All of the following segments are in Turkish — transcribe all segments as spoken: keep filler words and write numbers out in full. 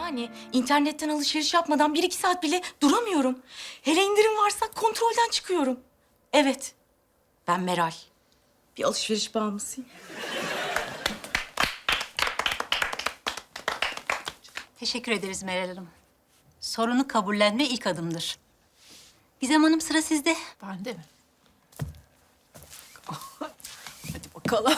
Yani internetten alışveriş yapmadan bir iki saat bile duramıyorum. Hele indirim varsa kontrolden çıkıyorum. Evet, ben Meral. Bir alışveriş bağımlısıyım. Teşekkür ederiz Meral Hanım. Sorunu kabullenme ilk adımdır. Gizem Hanım, sıra sizde. Ben de mi? Hadi bakalım.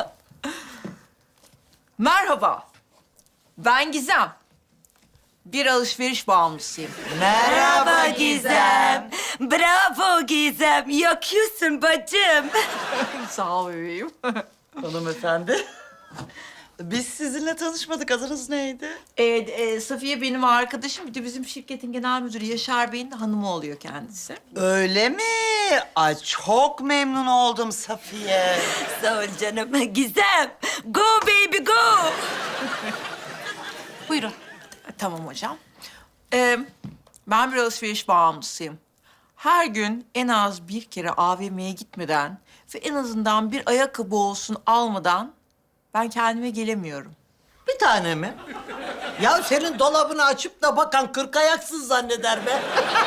Merhaba. Ben Gizem. Bir alışveriş bağımlısıyım. Merhaba Gizem. Bravo Gizem. Yakıyorsun bacım. Sağ ol bebeğim. Hanımefendi. Biz sizinle tanışmadık. Adınız neydi? Ee, e, Safiye benim arkadaşım. Bir de bizim şirketin genel müdürü Yaşar Bey'in de hanımı oluyor kendisi. Öyle mi? Ay çok memnun oldum Safiye. Sağ ol canım. Gizem. Go baby go. Buyurun. Tamam hocam. Ee, ben bir alışveriş bağımlısıyım. Her gün en az bir kere A V M'ye gitmeden ve en azından bir ayakkabı olsun almadan ben kendime gelemiyorum. Bir tane mi? Ya senin dolabını açıp da bakan kırk ayaksız zanneder be.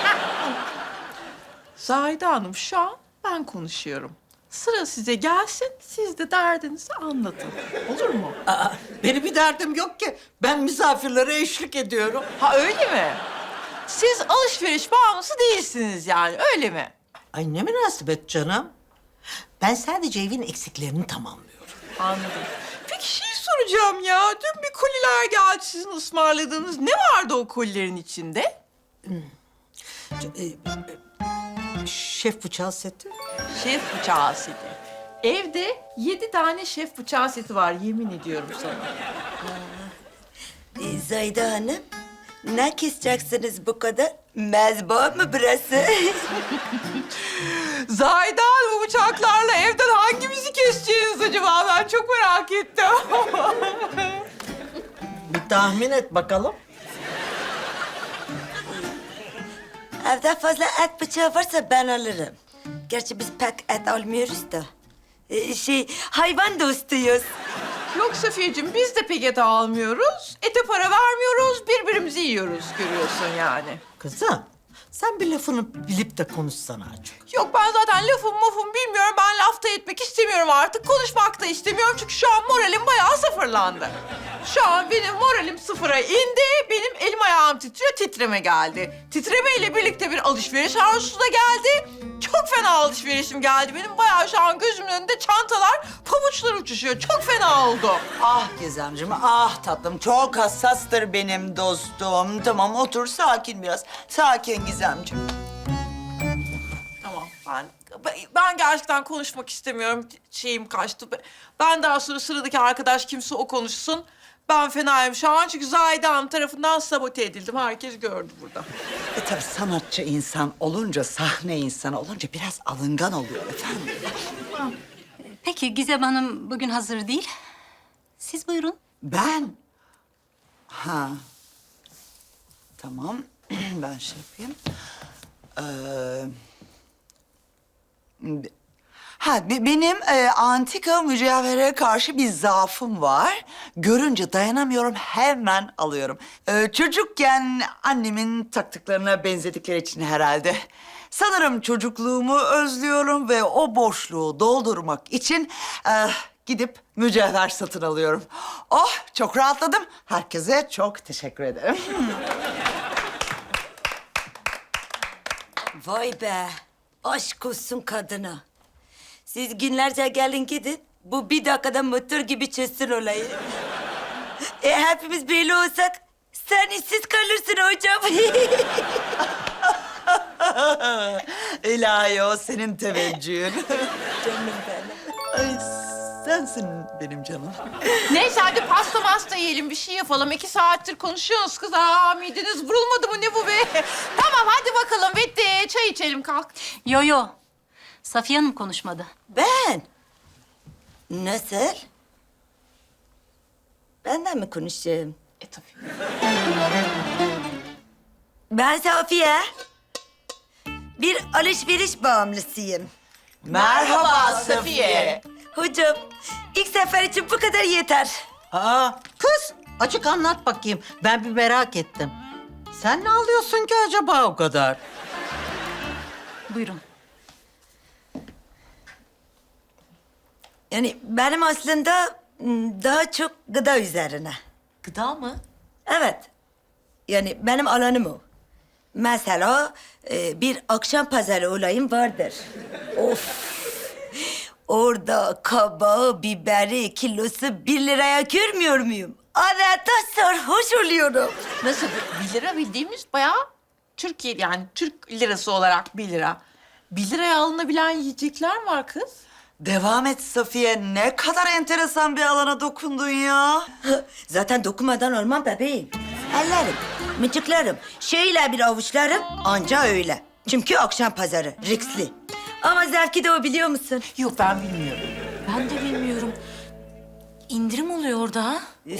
Zahide Hanım, şu an ben konuşuyorum. Sıra size gelsin, siz de derdinizi anlatın. Olur mu? Aa, benim bir derdim yok ki. Ben misafirlere eşlik ediyorum. Ha öyle mi? Siz alışveriş bağımlısı değilsiniz yani, öyle mi? Ay ne münasebet canım. Ben sadece evin eksiklerini tamamlıyorum. Anladım. Peki şey soracağım ya. Dün bir koliler geldi sizin ısmarladığınız. Ne vardı o kolilerin içinde? Ç- e, e, Şef bıçağı seti. Şef bıçağı seti. Evde yedi tane şef bıçağı seti var, yemin ediyorum sana. Ee, Zahide Hanım, ne keseceksiniz bu kadar? Mezba mı burası? Zahide Hanım, bu bıçaklarla evden hangimizi keseceğiniz acaba? Ben çok merak ettim. Bir tahmin et bakalım. Evde fazla et bıçağı varsa ben alırım. Gerçi biz pek et almıyoruz da. Ee, şey, hayvan dostuyuz. Yok Safiyeciğim, biz de pek et almıyoruz. Ete para vermiyoruz, birbirimizi yiyoruz görüyorsun yani. Kızım, sen bir lafını bilip de konuşsana azıcık. Yok ben zaten lafım mafım bilmiyorum. Ben lafta etmek istemiyorum artık. Konuşmak da istemiyorum çünkü şu an moralim bayağı sıfırlandı. Şu an benim moralim sıfıra indi. Benim elim ayağım titriyor, titreme geldi. Titremeyle birlikte bir alışveriş arzusu da geldi. Çok fena alışverişim geldi. Benim bayağı şu an gözümün önünde çantalar, pabuçlar uçuşuyor. Çok fena oldu. Ah Gizemciğim, ah tatlım. Çok hassastır benim dostum. Tamam otur, sakin biraz. Sakin Gizemciğim. Tamam ben ben gerçekten konuşmak istemiyorum. Şeyim kaçtı. Ben daha sonra sıradaki arkadaş kimse o konuşsun. Ben fenayım şu an çünkü Zahide Hanım tarafından sabote edildim. Herkes gördü burada. E tabii sanatçı insan olunca, sahne insanı olunca biraz alıngan oluyor efendim. Peki Gizem Hanım bugün hazır değil. Siz buyurun. Ben? Ha. Tamam. Ben şey yapayım. Ee, be- ha, be- benim e, antika mücevhere karşı bir zaafım var. Görünce dayanamıyorum, hemen alıyorum. Ee, çocukken annemin taktıklarına benzedikleri için herhalde. Sanırım çocukluğumu özlüyorum ve o boşluğu doldurmak için e, gidip mücevher satın alıyorum. Oh, çok rahatladım. Herkese çok teşekkür ederim. Vay be, aşk olsun kadına. Siz günlerce gelin gidin, bu bir dakikada motor gibi çözsün olayı. E, hepimiz böyle olsak, sen işsiz kalırsın hocam. İlahi o senin teveccühün. Canım benim. Ay sensin benim canım. Neyse hadi pasta masta yiyelim bir şey yapalım. İki saattir konuşuyorsunuz kız. Aa mideniz vurulmadı mı ne bu be? Tamam hadi bakalım bitti. Çay içelim kalk. Yo yo. Safiye Hanım konuşmadı. Ben? Nasıl? Benden mi konuşacağım? E tabii. Ben Safiye. Bir alışveriş bağımlısıyım. Merhaba Safiye. Hocam, ilk sefer için bu kadar yeter. Aa, kız Açık anlat bakayım. Ben bir merak ettim. Sen ne alıyorsun ki acaba o kadar? Buyurun. Yani benim aslında m, daha çok gıda üzerine. Gıda mı? Evet. Yani benim alanım o. Mesela e, bir akşam pazarı olayım vardır. Of! Orada kabağı, biberi, kilosu bir liraya görmüyor muyum? Adeta sarhoş oluyorum. Nasıl? Bir lira bildiğimiz bayağı Türkiye yani Türk lirası olarak bir lira. Bir liraya alınabilen yiyecekler var kız. Devam et Safiye. Ne kadar enteresan bir alana dokundun ya. Zaten dokunmadan olmam bebeğim. Ellerim, mıcıklarım, şöyle bir avuçlarım anca öyle. Çünkü akşam pazarı, riskli. Ama zevki de o biliyor musun? Yok ben bilmiyorum. Ben de bilmiyorum. İndirim oluyor orada ha?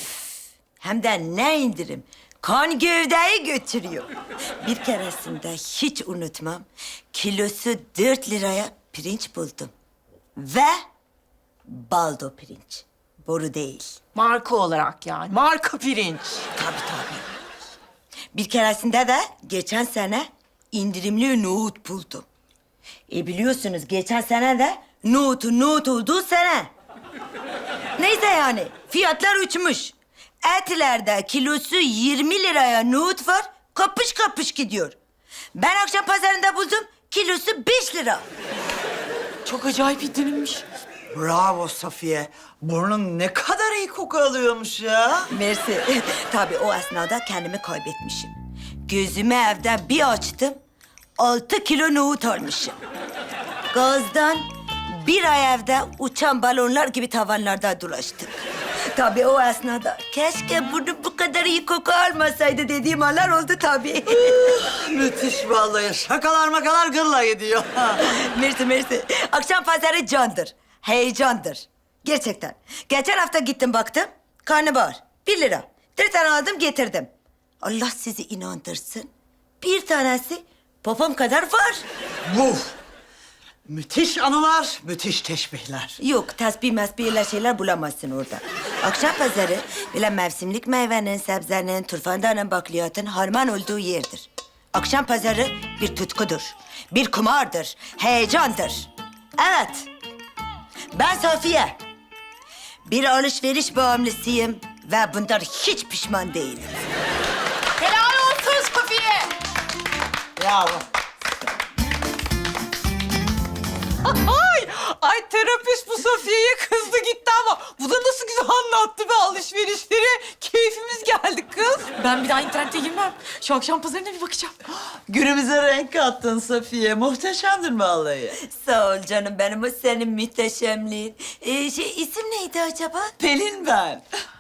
Hem de ne indirim. Kan gövdeyi götürüyor. Bir keresinde hiç unutmam. Kilosu dört liraya pirinç buldum. Ve baldo pirinç. Boru değil. Marka olarak yani. Marka pirinç. Tabii tabii. Bir keresinde de geçen sene indirimli nohut buldum. E biliyorsunuz geçen sene de nohutun nohut olduğu sene. Neyse yani fiyatlar uçmuş. Etlerde kilosu yirmi liraya nohut var, kapış kapış gidiyor. Ben akşam pazarında buldum, kilosu beş lira. Çok acayip indirimmiş. Bravo Safiye. Burnun ne kadar iyi koku alıyormuş ya. Mersi. Tabii o esnada kendimi kaybetmişim. Gözümü evde bir açtım, altı kilo nohut almışım. Gazdan bir ay evde uçan balonlar gibi tavanlarda dolaştık. Tabii o esnada keşke bunu bu kadar iyi koku almasaydı dediğim anlar oldu tabii. Müthiş vallahi. Şakalar makalar gırla gidiyor. Mersi mersi. Akşam pazarı candır, heyecandır. Gerçekten. Geçen hafta gittim baktım, karnabahar bir lira. Bir tane aldım getirdim. Allah sizi inandırsın. Bir tanesi popom kadar var. Uf. Müthiş anılar, müthiş teşbihler. Yok, tesbih mesbihler şeyler bulamazsın orada. Akşam pazarı bile mevsimlik meyvenin, sebzenin, turfandanın, bakliyatın harman olduğu yerdir. Akşam pazarı bir tutkudur, bir kumardır, heyecandır. Evet, ben Safiye. Bir alışveriş bağımlısıyım ve bundan hiç pişman değilim. Helal olsun Safiye. Bravo. Ay, ay terapist bu Safiye'ye kızdı gitti ama bu da nasıl güzel anlattı be alışverişleri. Keyfimiz geldi kız. Ben bir daha internete girmem. Şu akşam pazarına bir bakacağım. Günümüze renk kattın Safiye. Muhteşemdir vallahi. Sağ ol canım benim, o senin müteşemliğin. Ee, şey, isim neydi acaba? Pelin ben.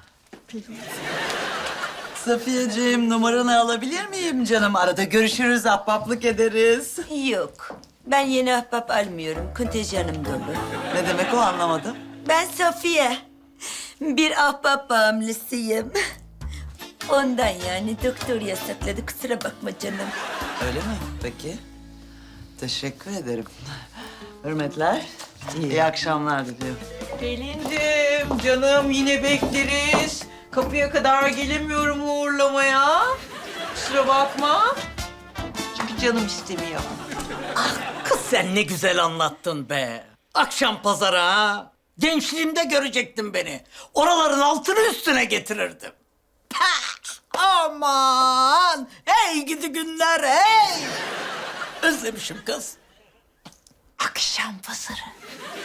Safiyeciğim numaranı alabilir miyim canım? Arada görüşürüz, ahbaplık ederiz. Yok. Ben yeni ahbap almıyorum. Kontenjanım dolu. Ne demek o anlamadım. Ben Safiye. Bir ahbap bağımlısıyım. Ondan yani doktor yasakladı. Kusura bakma canım. Öyle mi? Peki. Teşekkür ederim. Hürmetler. İyi akşamlar diliyorum. Pelin'cim canım yine bekleriz. Kapıya kadar gelemiyorum uğurlamaya. Kusura bakma. Çünkü canım istemiyor. Kız sen ne güzel anlattın be. Akşam pazarı ha. Gençliğimde görecektin beni. Oraların altını üstüne getirirdim. Pah! Aman! Hey gidi günler hey! Özlemişim kız. Akşam pazarı.